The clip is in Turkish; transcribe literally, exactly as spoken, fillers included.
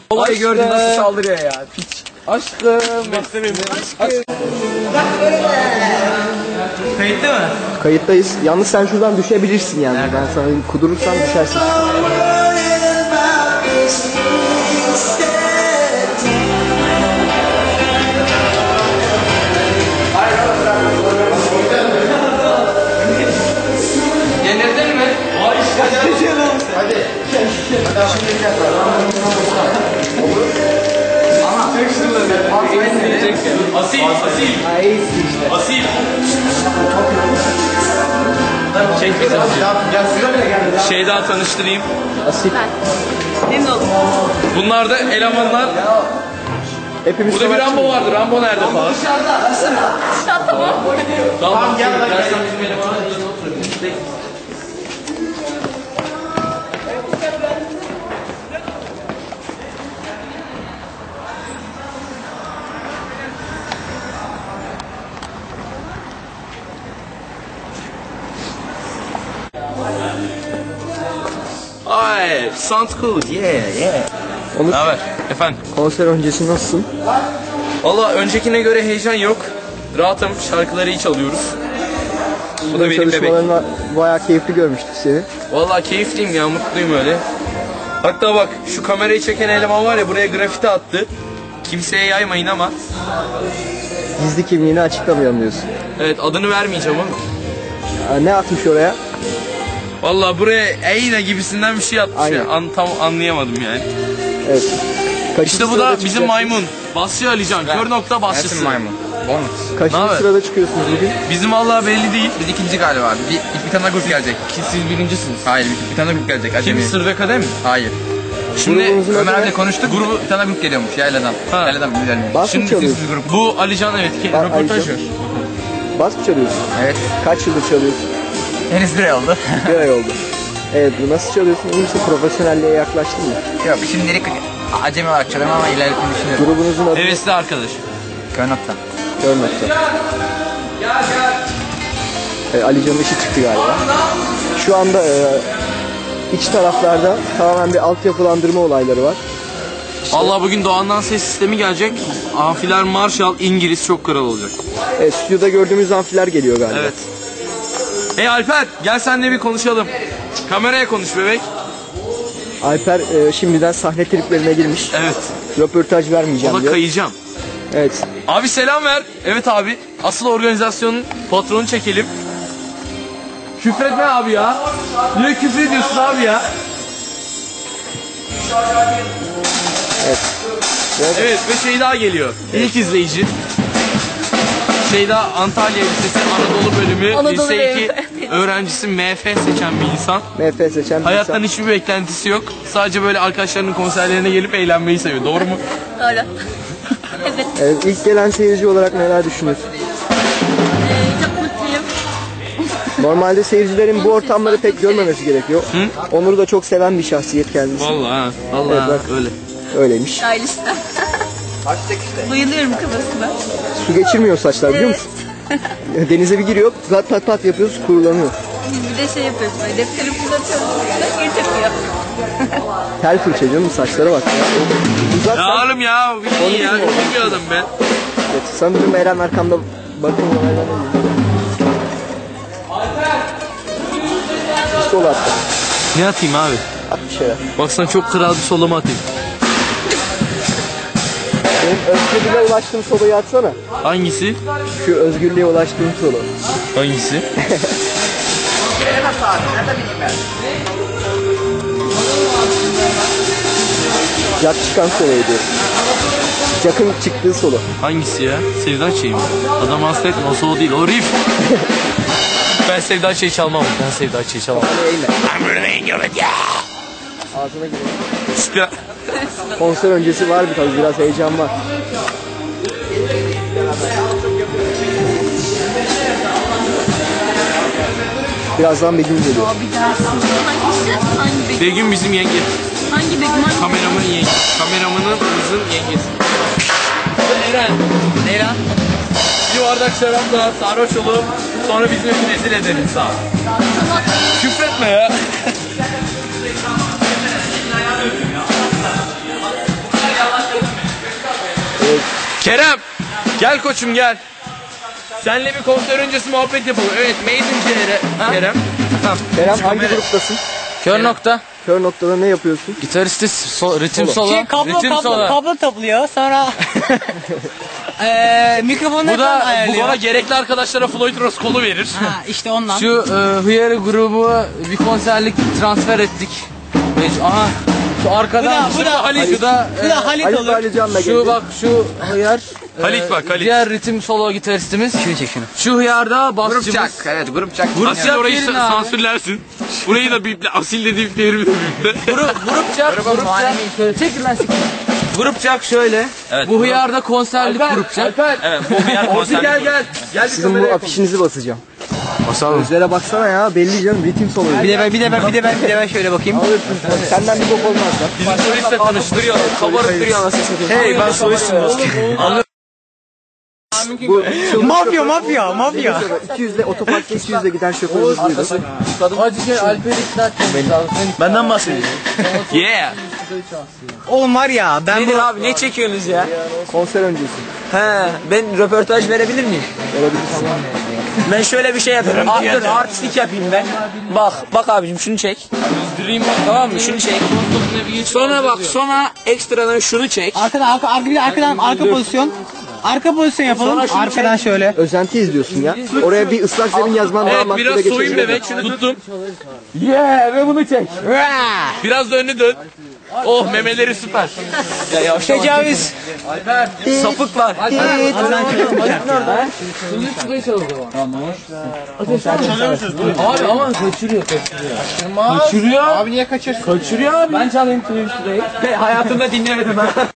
Olayı gördün nasıl saldırıyor ya. Piç. Aşkım. Aşkım. Kayıtlı mı? Kayıttayız. Yalnız sen şuradan düşebilirsin yani. Nerede? Ben sana kudurursam düşersin. Yenildin mi? Hayır. Hadi. Şimdi gel. Ama asil, asil. Asil. Çek bizi. Şey daha tanıştırayım. Asil. Memnun oldum. Bunlar da elemanlar. Hepimiz Burada bir Rambo vardı. Rambo nerede falan? Dışarıda. Tamam. Tamam gel lan. Dersen bizim elemanlar burada oturabilir. Ay, sounds cool. Yeah, yeah. Onur, Ne haber? Efendim? konser öncesi nasılsın? Valla öncekine göre heyecan yok. Rahatım. Şarkıları iyi çalıyoruz. Bu da benim bebek. Çalışmalarını bayağı keyifli görmüştük seni. Valla keyifliyim ya. Mutluyum öyle. Hatta bak şu kamerayı çeken eleman var ya buraya grafiti attı. Kimseye yaymayın ama. Gizli kimliğini açıklamayalım diyorsun. Evet adını vermeyeceğim ama. Aa, ne atmış oraya? Valla buraya Eyne gibisinden bir şey atmış ya. An, tam anlayamadım yani. Evet. Kaçıncı İşte bu sırada da bizim çıkacaksınız? maymun. Basçı Alican. Kör nokta basçısı. maymun. Bonus. Kaçıncı Ne haber? sırada çıkıyorsunuz bugün? Bizim valla belli değil. Biz ikinci galiba. Bir, bir, bir tane daha grup gelecek. Siz birincisiniz. Hayır, bir, bir tane daha grup gelecek. Acemi. Kim? Sırrı Kadem mi? Hayır. Şimdi Grubunuzun adı Ömer ne? abiyle konuştuk. Grubu bir tane daha grup geliyormuş Yayla'dan. Ha. Yayla'dan bir gidelim. Bas mı Şimdi çalıyorsun? Siz grup. bu Alican evet ki Ben röportaj Alican. ver. Bas mı çalıyorsun? Evet. Kaç yıldır çalıyorsun? Henüz bir ay oldu. Bir ay oldu. Evet, bu nasıl çalıyorsun? İyi misin? Profesyonelliğe yaklaştın mı? Yok şimdilik acemi olarak çalıyorum ama ilerletmeyi düşünüyorum. Grubunuzun adı Hevesli arkadaş. Könokta. Görmekte. Evet, Ali Can'ın işi çıktı galiba. Şu anda e, iç taraflarda tamamen bir altyapılandırma olayları var. Allah bugün Doğan'dan ses sistemi gelecek. Amfiler Marshall İngiliz çok kral olacak. Evet, stüdyoda gördüğümüz amfiler geliyor galiba. Evet. Hey Alper gel seninle bir konuşalım. Kameraya konuş bebek. Alper e, şimdiden sahne triplerine girmiş. Evet. Röportaj vermeyeceğim Ona diyor. kayacağım. Evet. Abi selam ver. Evet abi. Asıl organizasyonun patronu çekelim. Küfretme abi ya. Niye küfür ediyorsun abi ya? Evet. Evet ve şey daha geliyor. İlk izleyici. Şeyda Antalya Lisesi Anadolu bölümü Anadolu lise iki bölümü. öğrencisi M F seçen bir insan. M F seçen bir Hayattan insan. hiçbir beklentisi yok. Sadece böyle arkadaşlarının konserlerine gelip eğlenmeyi seviyor. Doğru mu? Öyle. Evet. Evet, ilk gelen seyirci olarak neler düşünüyorsun? Ee, çok mutluyum. Normalde seyircilerin bu ortamları pek görmemesi gerekiyor. Hı? Onur'u da çok seven bir şahsiyet kendisi. Vallahi ha. Vallahi Evet, ha, bak. öyle. Öyleymiş. Ailesi. Bayılıyorum kafasına. Su geçirmiyor saçlar biliyor musun? Denize bir giriyor, pat pat pat yapıyoruz, kurulanıyor. Biz bir de şey yapıyoruz böyle defteri fırlatıyoruz. Geri tepiyor. Tel fırça canım, saçlara bak ya. Uzat Ya sen. oğlum ya. Onu İyi ya. bilmiyorum. Iyi bir adam ben. Evet, sanırım Eren arkamda bakın olaylar oluyor. Bir sol attı. Ne atayım abi? At bir şeyler. Baksana çok kral bir solama atayım. Benim özgürlüğe ulaştığım soloyu atsana. Hangisi? Şu özgürlüğe ulaştığım solo. Hangisi? Jack çıkan soloyu diyor. Jack'ın çıktığı solo. Hangisi ya? Sevda Çey'i mi? Adam hasta etme o solo değil o riff. Ben Sevda Çey'i çalmam. Ben Sevda Çey'i çalmam. Hani eğme. Ağzına giriyor. İşte. Konser öncesi var bir tabii, biraz heyecan var. Birazdan Begüm geliyor. Abi dersin. Hangisi? Hangi Begüm? Begüm bizim yenge. Hangi Begüm? Hangi Kameramın yengesi. Kameramanımızın yengesi. Eren. Ne lan? Bir bardak şarapla sarhoş olup sonra bizim rezil edelim sağ ol. Küfretme ya. Kerem, gel koçum gel. Senle bir konser öncesi muhabbet yapalım. Evet, Maiden Kerem. Kerem. Kerem hangi gruptasın? Kör nokta. Kör noktada ne yapıyorsun? Gitaristi so, ritim solo. Şey, kablo ritim kablo solo. kablo topluyor sonra eee mikrofonları Bu falan da bu ayarlıyor. bana gerekli arkadaşlara Floyd Rose kolu verir. Ha işte ondan. Şu e, Hıyarı grubu bir konserlik transfer ettik. Ve- Aha. Şu arkadan. Bu da- bu da- Halit. Şu da Bu da Halit Halit olur. Alican da Şu geldi. bak şu hıyar. Halit e, bak, Halit. Diğer ritim solo gitaristimiz. Şunu çek şunu. Şu hıyarda basçımız. Grupçak. Evet grupçak. Asil Grup orayı yerin sa- abi. sansürlersin. Burayı da biple, asil de bipleyelim birlikte. Grup, grupçak. grupçak. Şöyle çekil lan siktir. Grupçak şöyle. Bu hıyarda konserlik grupçak. Evet, bu yer konser. Gel gel. Gel bir Sizin bu kamera afişinizi basacağım. basalım. Gözlere baksana ya, belli canım, ritim solo. Bir de ben bir de ben bir de ben bir de ben şöyle bakayım. Senden bir bok olmaz lan. Bizim solistle tanıştırıyor. Kabarık duruyor anasını satayım. Hey ben solistim. Bu Mafya mafya mafya. iki yüzle otoparkta iki yüzle giden şoförümüz buydu. Hacı şey Alper'i ikna etmemiz lazım. Benden bahsediyorsun. Yeah. Oğlum var ya ben bu Abi ne çekiyorsunuz ya? Konser öncesi. He, ben röportaj verebilir miyim? Verebilirsin. Ben şöyle bir şey yapıyorum. Art, artistik yapayım ben. Bak, bak abicim şunu çek. Tamam mı? Şunu çek. Sonra bak, sonra ekstradan şunu çek. arkadan arka arka arkadan arka pozisyon. Arka pozisyon yapalım. Arkadan şöyle. Özenti izliyorsun ya. Oraya bir ıslak zemin yazman daha Evet makbule biraz geçebilir. soyun bebek. Tuttum. Yeah ve bunu çek. Biraz da önünü dön. Oh memeleri süper. Tecavüz. Sapık var. Abi ama kaçırıyor kaçırıyor. Kaçırıyor. Abi niye kaçırsın? Kaçırıyor abi. Ben çalayım Twitter'ı. Hayatımda dinlemedim ha.